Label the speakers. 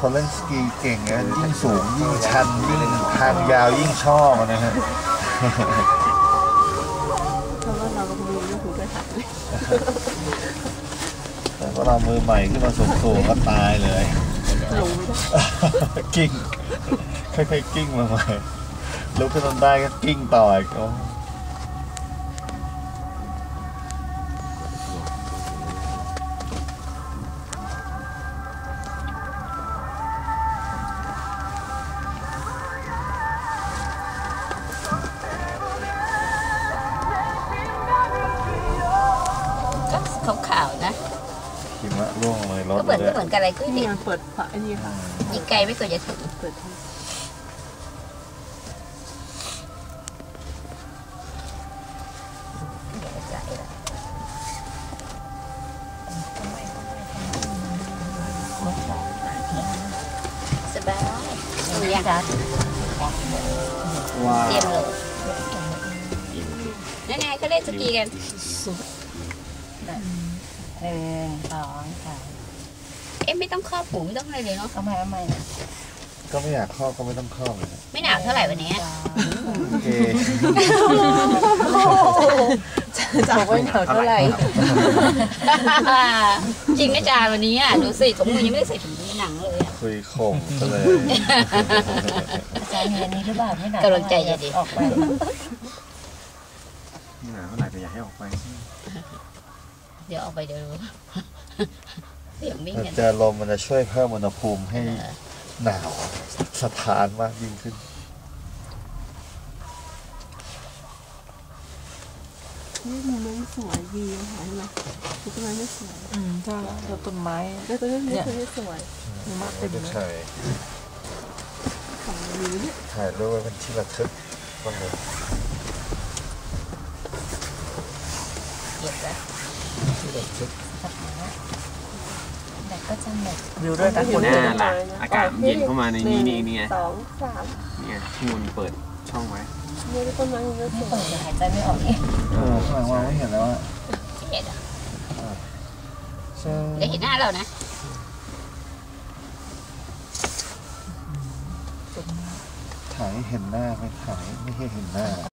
Speaker 1: คนเล่นสกีเก่งนะยิ่งสูงยิ่งชันยิ่งทางยาวยิ่งชอบนะฮะ
Speaker 2: เพราะว่าเรามือไม่ถูกด้วยค่ะ
Speaker 1: แต่พอเรามือใหม่ขึ้นมาสูงๆก็ตายเลย
Speaker 2: ลงไม่ได้
Speaker 1: กิ้งค่อยๆกิ้งมาใหม่ลุกขึ้นได้ก็กิ้งต่ออีก
Speaker 3: ขาวๆนะ
Speaker 1: หิมะร่วงเลยรถ
Speaker 3: ก็เหมือนกันอะไรก็
Speaker 2: นี่เปิดฝาอันนี้ค่ะ
Speaker 3: ยิงไกลไม่ควรจะถึง
Speaker 2: เปิด
Speaker 3: สบายดูยังคะ
Speaker 1: ว้าว
Speaker 3: เตรียมเลยนั่นไงเขาเล่นสกีกันไม่ต้องครอบหูไม่ต้องอะไรเลยเนาะ
Speaker 2: เอาใหม่
Speaker 1: ก็ไม่อยากครอบก็ไม่ต้องครอบเลย
Speaker 3: ไม่หนาวเท่าไหร่วันนี้
Speaker 1: โอเค
Speaker 2: จะไม่หนาวเท่าไหร่
Speaker 3: จริงนะจานวันนี้อ่ะดูสิถุงมือยังไม่ได้ใส่ถุงมือหนังเลย
Speaker 1: คุยข่มซะเลย
Speaker 2: อาจารย์เห็นนี้หรือเปล่าไม่หนาว
Speaker 3: กำลังใจจะดี
Speaker 2: ออกไป
Speaker 1: ไม่หนาวเท่าไหร่แต่อยากให้ออกไป
Speaker 3: เดี๋ยวออกไปเดี๋ยวเสียงมิ่งกัน
Speaker 1: เจอลมมันจะช่วยเพิ่มอุณหภูมิให้หนาวสถานมากยิ่งขึ้น
Speaker 2: นี่มุมนั้นสวยดีค่ะเห็นไหมต้นไม้ไม่สวย
Speaker 4: ใช่แล้วต้นไม้
Speaker 2: แล้วต้นนี้ไม่สวย
Speaker 4: มากเป็น
Speaker 1: ใช่ถ่ายรูปเป็นที่ระทึกบ้างเลย
Speaker 3: เก็บแล้วแต่ก็จะหมด
Speaker 4: วิวด้วยนะคุณ
Speaker 5: หน้าล่ะอากาศเย็นเข้ามาในนี้นี่ไง
Speaker 2: 2 3
Speaker 5: เนี่ยที่มันเปิดช่องไว้
Speaker 2: เนี่ยต้นไม้มันไม่
Speaker 3: เปิดจะหายใจไม่ออกเอง
Speaker 1: ข้างหลังว่าไม่เห็นแล้วอ่ะ
Speaker 3: เห็นอ่ะได้เห็นหน้าเรานะ
Speaker 1: ถ่ายเห็นหน้าไม่ถ่ายไม่ให้เห็นหน้า